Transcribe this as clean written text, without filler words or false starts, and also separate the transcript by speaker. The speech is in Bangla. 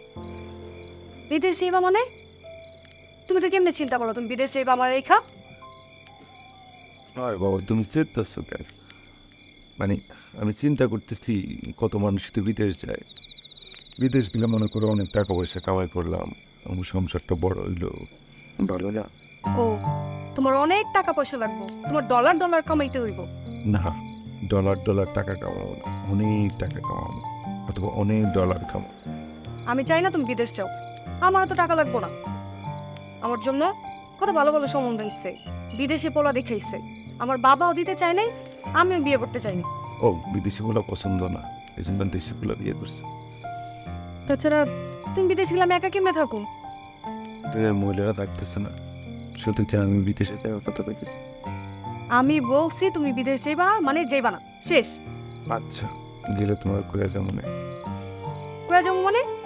Speaker 1: বিদেশ যাইবা মানে? তুমি তো কেমনে চিন্তা করো তুমি বিদেশ যাইবা আমার রেখা?
Speaker 2: হয় বাবা, তুমি চেতাচ্ছো কেন? মানে আমি চিন্তা করতেছি, কত মানুষ তো বিদেশ যায়। বিদেশ গেলে মনে করো অনেক টাকা পয়সা কামাই করলাম, আমার সংসারটা বড় হইলো, ভালো না?
Speaker 1: ও, তোমার অনেক টাকা পয়সা লাগবে, তোমার ডলার ডলার কামাইতে হইব।
Speaker 2: না, ডলার ডলার টাকা কামাবো না, অনেক টাকা কামাবো, অথবা অনেক ডলার কামাবো।
Speaker 1: আমি চাই না তুমি বিদেশ যাও, আমার তো টাকা লাগবো না। আমার জন্য কত ভালো ভালো সম্বন্ধ ইচ্ছে, বিদেশে পোলা দেখাইছে, আমার বাবাও দিতে চায় নাই, আমিও বিয়ে করতে চাইনি।
Speaker 2: ও, বিদেশি গুলো পছন্দ না, এই জন্য দেশি গুলো বিয়ে করছে।
Speaker 1: তাছাড়া তুমি বিদেশ গেলে আমি একা কেমনে থাকো?
Speaker 2: মহিলারা থাকতেছে না, শুধু কি আমি বিদেশে যাওয়ার কথা বলতেছি?
Speaker 1: আমি বলছি তুমি বিদেশ যাইবা মানে যাইবা না, শেষ।
Speaker 2: আচ্ছা, গেলে তোমার করে যেমন
Speaker 1: কয়ে যাবো মানে?